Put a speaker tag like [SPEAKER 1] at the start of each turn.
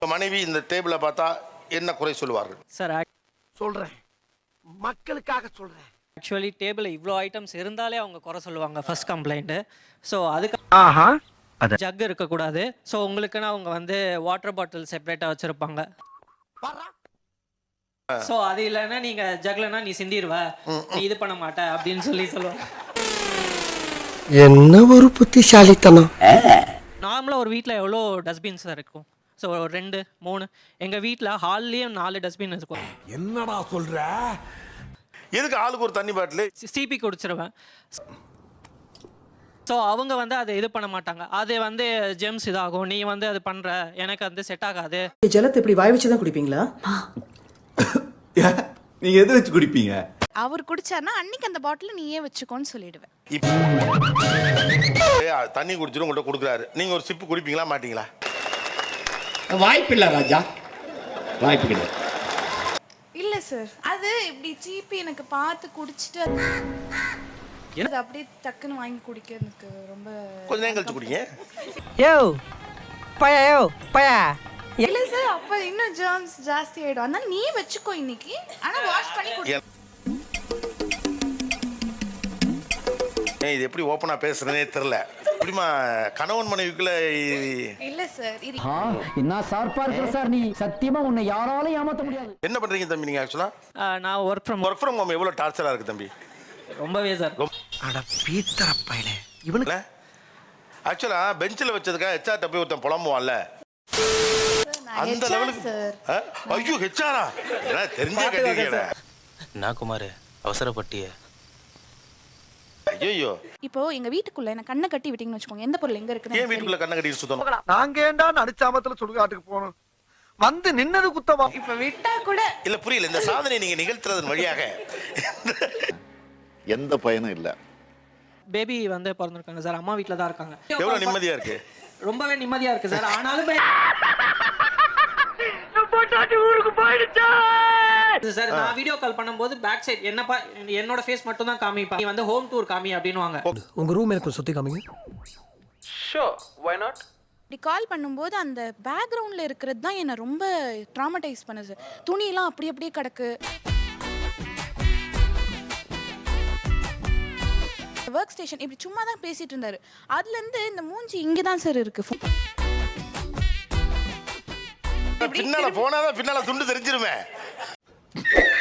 [SPEAKER 1] மனைவி இந்த டேபிளை பார்த்தா என்ன குறை சொல்லுவார்கள்?
[SPEAKER 2] சார்
[SPEAKER 3] சொல்றேன், மக்களுக்காக சொல்றேன்.
[SPEAKER 2] ஆக்சுவலி டேபிளில் இவ்வளோ ஐட்டம்ஸ் இருந்தாலே அவங்க குறை சொல்லுவாங்க ஃபர்ஸ்ட் கம்ப்ளைண்ட்டு. ஸோ அதுக்கு ஜக் இருக்கக்கூடாது. ஸோ உங்களுக்குன்னா அவங்க வந்து வாட்டர் பாட்டில் செப்பரேட்டாக வச்சுருப்பாங்க. ஸோ அது இல்லைன்னா நீங்கள் ஜக்லன்னா நீ சிந்திடுவ, நீ இது பண்ண மாட்ட அப்படின்னு சொல்லுவாங்க.
[SPEAKER 3] என்ன ஒரு புத்திசாலித்தனம்.
[SPEAKER 2] நார்மலாக ஒரு வீட்டில் எவ்வளோ டஸ்ட்பின்ஸ் இருக்கும்? ஸோ 2 3 எங்கள் வீட்டில் ஹால்லேயும் 4 டஸ்ட்பின் இருக்கும்.
[SPEAKER 3] என்னடா சொல்ற?
[SPEAKER 1] எதுக்கு ஆளுக்கு ஒரு தண்ணி பாட்டில்?
[SPEAKER 2] சிபி குடிச்சிருவேன். ஸோ அவங்க வந்து அதை இது பண்ண மாட்டாங்க. அது வந்து ஜெம்ஸ் இதாகும், நீ வந்து அது பண்ணுற, எனக்கு வந்து செட் ஆகாது.
[SPEAKER 4] ஜலத்தை இப்படி வாய் வச்சு தான் குடிப்பீங்களா?
[SPEAKER 5] நீங்க எது வச்சு குடிப்பீங்க?
[SPEAKER 6] அவர் குடிச்சாருன்னா அன்னைக்கு அந்த பாட்டில் நீயே வச்சுக்கோன்னு சொல்லிடுவேன்.
[SPEAKER 1] தண்ணி குடிச்சிடும் உங்கள்கிட்ட கொடுக்குறாரு, நீங்கள் ஒரு சிப்பு குடிப்பீங்களா மாட்டீங்களா?
[SPEAKER 7] வாய்ப்பில்லை ராஜா, வாய்ப்பு கிடையாது.
[SPEAKER 6] இல்ல சார், அது இப்படி சீப்பி எனக்கு பார்த்து குடிச்சிட்டு அது அப்படியே டக்குன்னு வாங்கி குடிக்க எனக்கு ரொம்ப
[SPEAKER 1] கொஞ்ச நேரம் கழிச்சு குடிங்க.
[SPEAKER 6] இல்ல சார், அப்ப இன்னும் ஜெர்ம்ஸ் ஜாஸ்தி ஆயிடும். அதனால நீ வச்சுக்கோ இன்னைக்கு, ஆனா வாஷ் பண்ணி குடி.
[SPEAKER 1] இது எப்படி ஓப்பனா பேசுறதுனே தெரியல. இப்படிமா கணவன் மனைவிக்குள்ள
[SPEAKER 6] இல்ல சார், இது
[SPEAKER 8] என்ன சார்பா இருக்கிற சார், நீ சத்தியமா உன்னை யாராலும் ஏமாத்த முடியாது.
[SPEAKER 1] என்ன பண்றீங்க தம்பி நீங்க? ஆக்சுவலா
[SPEAKER 2] நான் ஒர்க் ஃப்ரம்
[SPEAKER 1] ஹோம் எவ்வளவு டார்ச்சரா இருக்கு தம்பி?
[SPEAKER 2] ரொம்பவே சார்.
[SPEAKER 3] அட பீத்தர பயலே, இவனுக்கு
[SPEAKER 1] ஆக்சுவலா பெஞ்சில் வச்சதுக்காக ஹெச்ஆர்ட்ட போய் ஒருத்தன் புலம்புவான்ல, அந்த லெவலுக்கு
[SPEAKER 6] சார்.
[SPEAKER 1] ஐயோ ஹெச்ஆரா தெரிஞ்சே கட்டிருக்கீங்க.
[SPEAKER 9] நான் குமார் அவசரப்பட்டிய.
[SPEAKER 1] ஐயோ
[SPEAKER 6] இப்போ எங்க வீட்டுக்குள்ள என்ன கண்ணை கட்டி விட்டீங்கன்னு வச்சுக்கோங்க, எந்த பொருள் எங்க இருக்குன்னு
[SPEAKER 1] ஏன் வீட்டுக்குள்ள கண்ணை கட்டிட்டு சுத்தணும்?
[SPEAKER 3] நாங்க ஏண்டா நடிச்சாமத்துல சுடுகாட்டுக்கு போகணும்? வந்து நின்னது குத்தமா?
[SPEAKER 6] இப்ப விட்டா கூட
[SPEAKER 1] இல்ல புரியல. இந்த சாதனை நீங்க நிகழ்த்துறதன் வழியாக
[SPEAKER 5] எந்த பயனும் இல்ல.
[SPEAKER 2] பேபி வந்து பிறந்திருக்காங்க சார், அம்மா வீட்டில் தான் இருக்காங்க.
[SPEAKER 1] எவ்வளவு நிம்மதியா இருக்கு?
[SPEAKER 2] ரொம்பவே நிம்மதியா இருக்கு சார். ஆனாலுமே சார் நான் வீடியோ கால் பண்ணும்போது பேக் சைடு என்னப்பா என்னோட ஃபேஸ் மட்டும் தான் காமிப்பா, நீ வந்து ஹோம் டூர் காமி அப்படின்னுவாங்க.
[SPEAKER 3] உங்க ரூம் எனக்கு சுத்தி காமிங்க.
[SPEAKER 2] Sure, why not?
[SPEAKER 6] இப்படி கால் பண்ணும்போது அந்த பேக்ரவுண்ட்ல இருக்கிறது தான் என்ன ரொம்ப ட்ராமடைஸ் பண்ணுது. துணியெல்லாம் அப்படி அப்படியே கிடக்கு. ஒர்க் ஸ்டேஷன் இப்படி சும்மா தான் பேசிட்டு இருந்தாரு. அதுல இருந்து இந்த மூஞ்சி இங்க தான் சார் இருக்கு.
[SPEAKER 1] பின்னால போனாதான் பின்னால துண்டு தெரிஞ்சிருமே.